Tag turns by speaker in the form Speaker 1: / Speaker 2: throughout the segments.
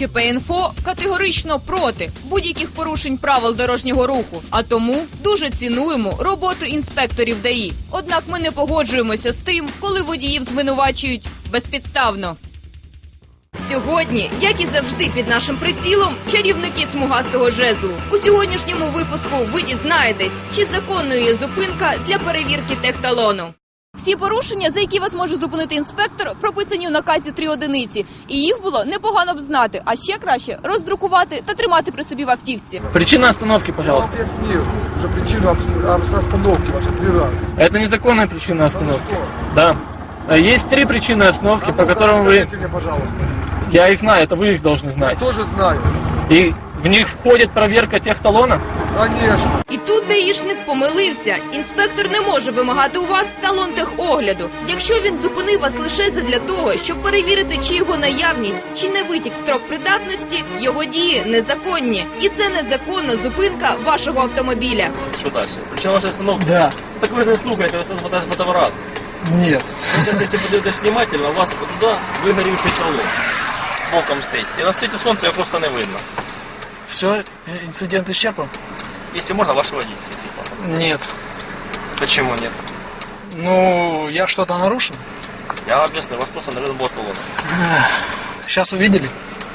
Speaker 1: ДТЧП.Інфо категорично проти будь-яких порушень правил дорожнього руху, а тому дуже цінуємо роботу інспекторів ДАІ. Однак ми не погоджуємося з тим, коли водіїв звинувачують безпідставно. Сьогодні, як і завжди під нашим прицілом, чарівники смугастого жезлу. У сьогоднішньому випуску ви дізнаєтесь, чи законною є зупинка для перевірки техталону. Всі порушення, за які вас може зупинити інспектор, прописані у наказі 3 одиниці. І їх було непогано б знати, а ще краще роздрукувати та тримати при собі в автівці.
Speaker 2: Причина остановки, пожалуйста.
Speaker 3: Я вам объяснил уже причину остановки вашей 3 раза.
Speaker 2: Это незаконная причина остановки. Да. Есть 3 причины остановки, по которым вы...
Speaker 3: Скажите мне, пожалуйста.
Speaker 2: Я их знаю, это вы их должны знать.
Speaker 3: Я тоже знаю.
Speaker 2: И в них входит проверка техталона?
Speaker 3: Конечно.
Speaker 1: І тут даїшник помилився. Інспектор не може вимагати у вас талон техогляду, якщо він зупинив вас лише задля того, щоб перевірити, чи його наявність, чи не витік строк придатності, його дії незаконні. І це незаконна зупинка вашого автомобіля.
Speaker 4: Что дальше? Причина вашей остановки?
Speaker 5: Да.
Speaker 4: Так вы же не слухаете, вы фотоаппарат.
Speaker 5: Нет.
Speaker 4: Сейчас, если подойдешь внимательно, у вас туда выгоревший талон. Боком стоит. И на свете солнца его просто не видно.
Speaker 5: Все, инцидент исчерпан?
Speaker 4: Если можно, ваше водительство.
Speaker 5: Нет.
Speaker 4: Почему нет?
Speaker 5: Ну, я что-то нарушил?
Speaker 4: Я вам объясню, у вас просто не видно было талона.
Speaker 5: Сейчас увидели?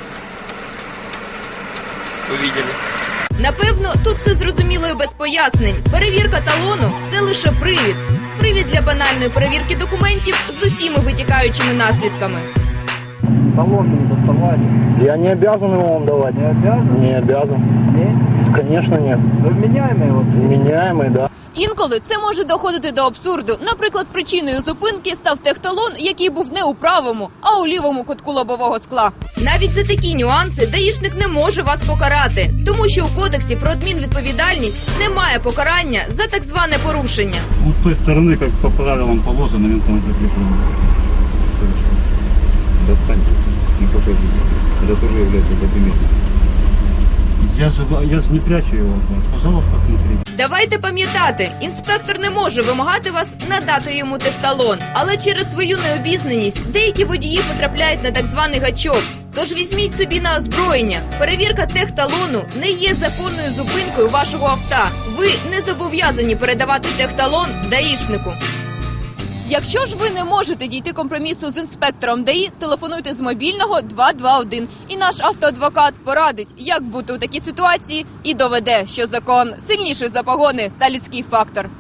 Speaker 4: Увидели.
Speaker 1: Напевно, тут все зрозуміло і без пояснень. Перевірка талону – це лише привід. Привід для банальної перевірки документів з усіма витікаючими наслідками.
Speaker 6: Талон не доставали. Я не обязан его вам давать. Не обязан? Не обязан. Нет? Конечно нет. Вы вменяемый вот? Вменяемый, да.
Speaker 1: Інколи це може доходити до абсурду. Наприклад, причиною зупинки став техталон, який був не у правому, а у лівому кутку лобового скла. Навіть за такі нюанси даїшник не може вас покарати, тому що у кодексі про адмінвідповідальність немає покарання за так зване порушення.
Speaker 7: Он с той стороны, как по правилам положено, он там закреплен.
Speaker 8: Достаньте и покажите. Это тоже является документом.
Speaker 7: Я же не прячу его от вас. Пожалуйста, смотрите.
Speaker 1: Давайте пам'ятати, інспектор не може вимагати вас надати йому техталон. Але через свою необізнаність деякі водії потрапляють на так званий гачок. Тож візьміть собі на озброєння. Перевірка техталону не є законною зупинкою вашого авто. Ви не зобов'язані передавати техталон даїшнику. Якщо ж ви не можете дійти компромісу з інспектором ДАІ, телефонуйте з мобільного 221. І наш автоадвокат порадить, як бути у такій ситуації і доведе, що закон сильніший за погони та людський фактор.